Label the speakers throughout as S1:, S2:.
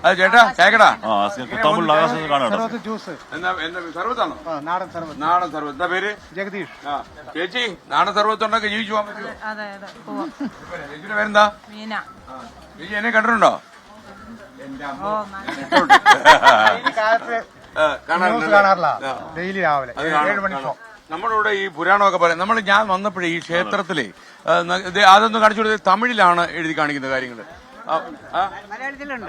S1: അത് ചേട്ടാ കേക്കടാ
S2: ജ്യൂസ്
S1: സർവത്താണോ?
S2: നാടൻ സർവത്ത്.
S1: നാടൻ സർവത്ത്. എന്താ പേര്?
S2: ജഗദീഷ്.
S1: ചേച്ചി നാടൻ സർവത്തുണ്ടൊക്കെ ജീവിച്ചു പോകാൻ പറ്റുമോ?
S3: അതെ
S1: ചേച്ചിയുടെ പേരെന്താ?
S3: മീന.
S1: ചേച്ചി എന്നെ കണ്ടിട്ടുണ്ടോ?
S2: കാണാറില്ല. ഡെയിലി രാവിലെ 7 മണി ഷോ.
S1: നമ്മുടെ ഇവിടെ ഈ പുരാണമൊക്കെ പറയാം. ഞാൻ വന്നപ്പോഴേ ഈ ക്ഷേത്രത്തിലെ അതൊന്നും കാണിച്ചു കൊടുത്തത് തമിഴിലാണ് എഴുതി കാണിക്കുന്ന കാര്യങ്ങള്.
S3: മലയാളത്തിലുണ്ട്.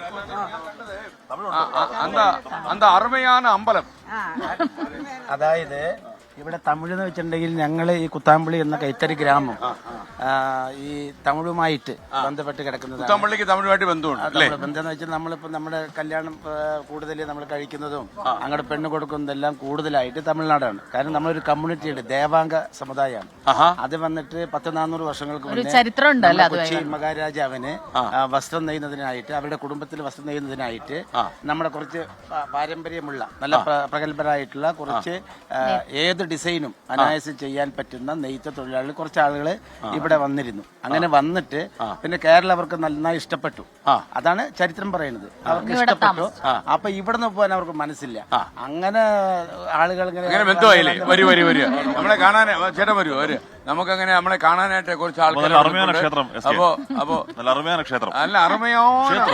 S1: അന്ത അറുമയാണ് അമ്പലം.
S4: അതായത് ഇവിടെ തമിഴ് എന്ന് വെച്ചിട്ടുണ്ടെങ്കിൽ ഞങ്ങൾ ഈ കുത്താമ്പള്ളി എന്ന കൈത്തറി ഗ്രാമം ഈ തമിഴുമായിട്ട് ബന്ധപ്പെട്ട് കിടക്കുന്നത്.
S1: കുത്താമ്പള്ളിക്ക് തമിഴുമായിട്ട് ബന്ധമുണ്ട് അല്ലേ?
S4: ബന്ധം എന്ന് വെച്ചാൽ നമ്മളിപ്പോ നമ്മുടെ കല്യാണം കൂടുതൽ നമ്മൾ കഴിക്കുന്നതും അങ്ങോട്ട് പെണ്ണ് കൊടുക്കുന്നതെല്ലാം കൂടുതലായിട്ട് തമിഴ്നാടാണ്. കാരണം നമ്മളൊരു കമ്മ്യൂണിറ്റിയുടെ ദേവാംഗ സമുദായമാണ്. അത് വന്നിട്ട് 100-400 വർഷങ്ങൾക്ക് മുന്നേ കൊച്ചി മഹാരാജാവിന് വസ്ത്രം നെയ്യുന്നതിനായിട്ട് അവരുടെ കുടുംബത്തിൽ വസ്ത്രം നെയ്യുന്നതിനായിട്ട് നമ്മുടെ കുറച്ച് പാരമ്പര്യമുള്ള നല്ല പ്രഗത്ഭരായിട്ടുള്ള കുറച്ച് ഏത് ഡിസൈനും അനായാസം ചെയ്യാൻ പറ്റുന്ന നെയ്ത്ത തൊഴിലാളികൾ കുറച്ച് ആളുകൾ ഇവിടെ വന്നിരുന്നു. അങ്ങനെ വന്നിട്ട് പിന്നെ കേരളം അവർക്ക് നന്നായി ഇഷ്ടപ്പെട്ടു. അതാണ് ചരിത്രം പറയുന്നത്. അവർക്ക് ഇഷ്ടപ്പെട്ടു. അപ്പൊ ഇവിടെ നിന്ന് പോകാൻ അവർക്ക് മനസ്സില്ല. അങ്ങനെ ആളുകൾ
S1: ബന്ധമായില്ലേ? നമ്മളെ കാണാൻ ചേട്ടൻ വരുമോ? നമുക്കങ്ങനെ നമ്മളെ കാണാനായിട്ട് കുറച്ച് ആൾക്കാർ. നല്ല അറുമയോ.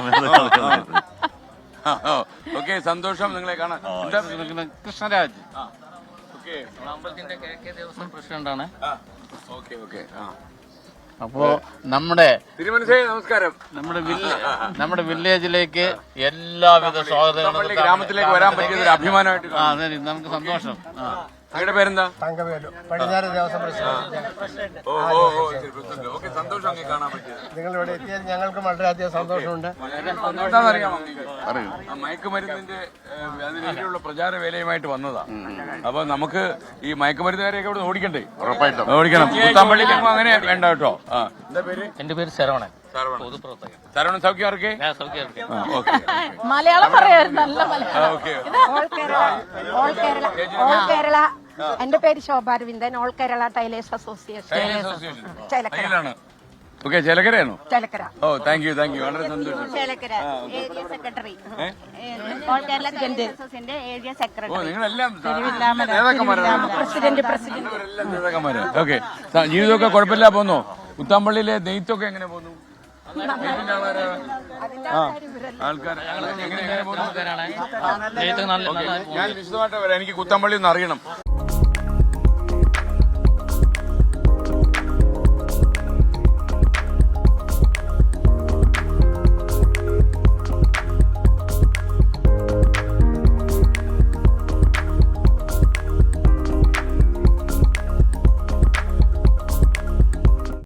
S1: ഓക്കെ, സന്തോഷം നിങ്ങളെ കാണാൻ.
S5: കൃഷ്ണരാജ് അമ്പലത്തിന്റെ കിഴക്കേ ദേവസ്വം പ്രസിഡന്റാണ്. അപ്പോ നമ്മുടെ
S1: നമസ്കാരം.
S5: നമ്മുടെ വില്ലേജിലേക്ക് എല്ലാവിധ സ്വാഗതങ്ങളും
S1: ഗ്രാമത്തിലേക്ക് വരാൻ പറ്റിയത് ഒരു അഭിമാനമായിട്ട്
S5: നമുക്ക് സന്തോഷം.
S1: അവരുടെ പേരെന്താ?
S2: തങ്കവേലു, പടിഞ്ഞാറ് ദേവസ്വം പ്രസിഡന്റ്.
S1: സന്തോഷം കാണാൻ പറ്റിയത്.
S2: നിങ്ങൾ ഇവിടെ എത്തിയത് ഞങ്ങൾക്ക് വളരെയധികം സന്തോഷമുണ്ട്.
S1: മയക്കുമരുന്നിന്റെ അതിനെതിരെയുള്ള പ്രചാര വേലയുമായിട്ട് വന്നതാ. അപ്പൊ നമുക്ക് ഈ മയക്കുമരുന്നുകാരെയൊക്കെ ഇവിടെ ഓടിക്കണ്ടേ? ഉറപ്പായിട്ടും ഓടിക്കണം. കുത്താമ്പള്ളിക്ക് അങ്ങനെ വേണ്ട കേട്ടോ. എന്താ പേര്?
S5: എന്റെ പേര് ശരവണൻ.
S1: ശരവണൻ സൗഖ്യം ആർക്കെ?
S3: മലയാളം പറയായിരുന്നു. നല്ല മലയാളം.
S6: ഓൾ കേരള. എന്റെ പേര് Shobharavindan. All Kerala tailors association Chelakkara.
S1: Okay, ചേലക്കരയാണോ?
S6: ചേലക്കര.
S1: ഓ, താങ്ക് യു വളരെ സന്തോഷം.
S6: Chelakkara area secretary. All Kerala tailors അസോസിയേഷന്റെ ഏരിയ സെക്രട്ടറി.
S1: ഓ, നിങ്ങളെല്ലാം നേതാക്കന്മാരാണ്.
S6: പ്രസിഡന്റ്
S1: നേതാക്കന്മാര്. ഓക്കെ, ജീവിതമൊക്കെ കുഴപ്പമില്ല പോകുന്നു. കുത്താമ്പള്ളിയിലെ നെയ്ത്തൊക്കെ എങ്ങനെ പോകുന്നു? ആൾക്കാർ എങ്ങനെ പോകുന്നു? ഞാൻ വിശദമായിട്ട് വരാം. എനിക്ക് കുത്താമ്പള്ളി ഒന്ന് അറിയണം.